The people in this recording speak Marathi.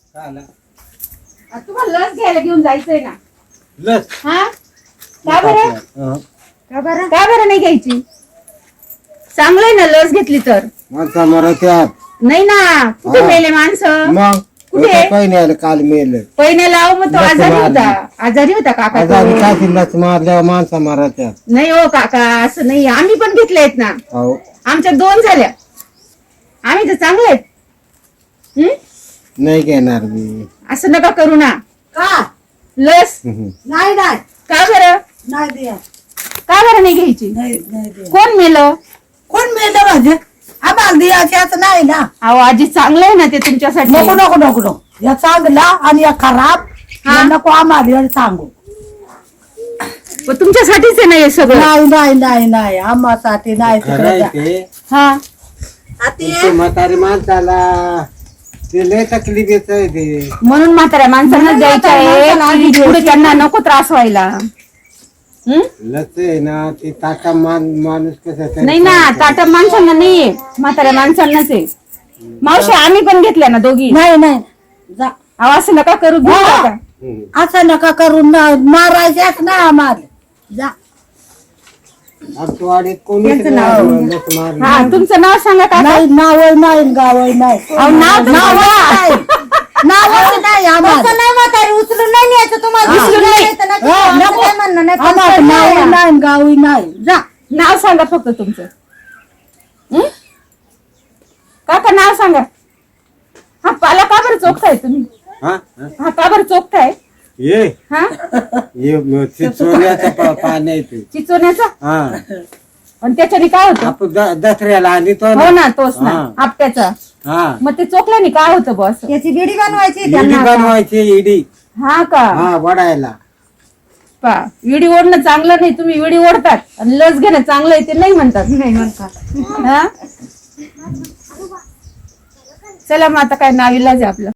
तुम्हाला लस घ्यायला घेऊन जायचंय ना? लस हा का बरं? का बरं नाही घ्यायची? चांगलंय ना लस घेतली तर. माणसा मरत्यात नाही ना, कुठे मेले माणसं? मग कुठे? काही नाही काल मेलं पहिने लाव मग तो आजारी होता काका तो. काय लस मारल्यावर माणसा मरत्यात. नाही हो काका, असं नाही. आम्ही पण घेतले आहेत ना. हो आमच्या 2 झाल्या. आम्ही तर चांगले आहेत. नाही घेणार मी. असं नका करू ना. का लस नाही नाही का बरं? नाही द्या का बरं नाही घ्यायची? नाही नाही द्या कोण मेलं? कोण मिळतं म्हणजे आम्हाला द्यायचं नाही ना. अहो आजी चांगलं आहे ना ते तुमच्यासाठी. नको नको नको नको या चांगला आणि या खराब या नको आम्हाला सांगू. पण तुमच्यासाठीच आहे ना हे सगळं. नाही नाही नाही नाही आम्हासाठी नाही खरं आहे ते. हा तुमच्या म्हातारी माणसाला ते लय तकलीफ येत आहे ते. म्हणून म्हाताऱ्या माणसांना द्यायचं आहे. पुढे त्यांना नको त्रास व्हायला. लस आहे ना ते ताटा माणूस कसं नाही ना, ताटा माणसांना नाहीये, म्हाताऱ्या माणसांनाच आहे. मावशी आम्ही पण घेतल्या ना दोघी. नाही नाही जा अहो असं नका करू. घेऊ नका. असं नका करून मारायच्याच ना आम्हाला जा. आमच्या वाडीत कोणी लस मारली. हा तुमचं नाव सांगा का? नाही नाव नाही गाव नाही नाव नाही आम्हाला नाही म्हातारी उचलून नाही न्यायचं तुम्हाला. उचलून नाही. काय म्हणणं नाही. आम्हाला नाव नाही गाव नाही जा. नाव सांगा फक्त तुमचं. काका नाव सांगा. हा पाला का बरं चोखताय तुम्ही? हा हा का बरं चोखताय? ये हा ये चोऱ्याचा पाणी आहे ते. चिचोण्याचा. हा आणि त्याच्याने काय होतं? आपण दसऱ्याला आणि तो हो ना, तोच ना हा. आपट्याचा. हा मग ते चोखल्याने काय होतं बॉस? त्याची बिडी बनवायची इडी त्यांना. बनवायची इडी. हा का वडायला. पा विडी ओढणं चांगलं नाही. तुम्ही विडी ओढतात आणि लस घेणं चांगलं आहे ते नाही म्हणतात. नाही म्हणतात. हा चला मग आता काय नाविलाज आहे आपलं.